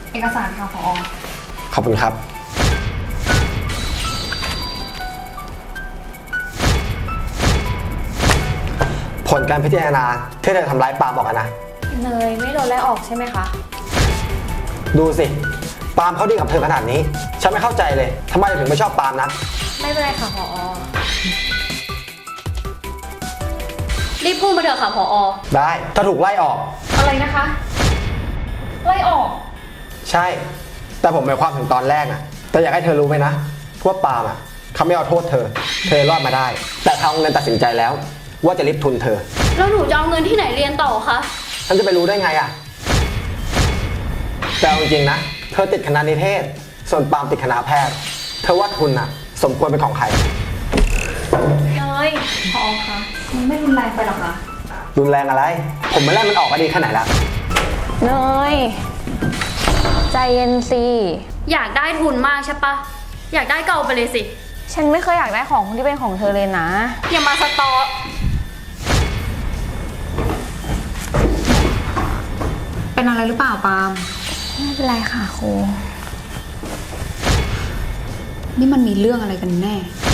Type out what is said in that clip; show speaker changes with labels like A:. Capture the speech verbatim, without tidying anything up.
A: เอกสารค่ะผอ.
B: ขอบคุณครับผลการพิจารณาที่เธอทำร้ายปาล์มบอกกันนะ
A: เนยไม่โดนไล่ออกใช่ไหมคะ
B: ดูสิปาล์มเขาดีกับเธอขนาดนี้ฉันไม่เข้าใจเลยทำไมถึงไม่ชอบปาล์มนะ
A: ไม่เป็นไรค่ะผอ.
C: รีบพูดมาเถอะค่ะผอ.
B: ได้ถ้าถูกไล่ออก
A: อะไรนะคะไล่ออก
B: ใช่แต่ผมหมายความถึงตอนแรกอะแต่อยากให้เธอรู้ไหมนะว่าปาล์มอะเขาไม่เอาโทษเธอเธอรอดมาได้แต่ทางโรงเรียนตัดสินใจแล้วว่าจะริบทุนเธอ
C: แล้วหนูจะเอาเงินที่ไหนเรียนต่อคะ
B: ฉันจะไปรู้ได้ไงอะแต่จริงๆนะเธอติดคณะนิเทศส่วนปาล์มติดคณะแพทย์เธอว่าทุนอะสมควรเป็นของใคร
A: เนยผอ.คะมันไม่รุนแรงไปหรอคะ
B: รุนแรงอะไรผมมาไล่มันออกก็ดีแค่ไหนละ
D: เนยใจเย็นสิ
C: อยากได้ทุนมากใช่ปะอยากได้เก่าไปเลยสิ
D: ฉันไม่เคยอยากได้ของที่เป็นของเธอเลยนะ
C: อย่ามาสตอ
A: เป็นอะไรหรือเปล่าปาล์ม
D: ไม่เป็นไรค่ะครู
A: นี่มันมีเรื่องอะไรกันแน่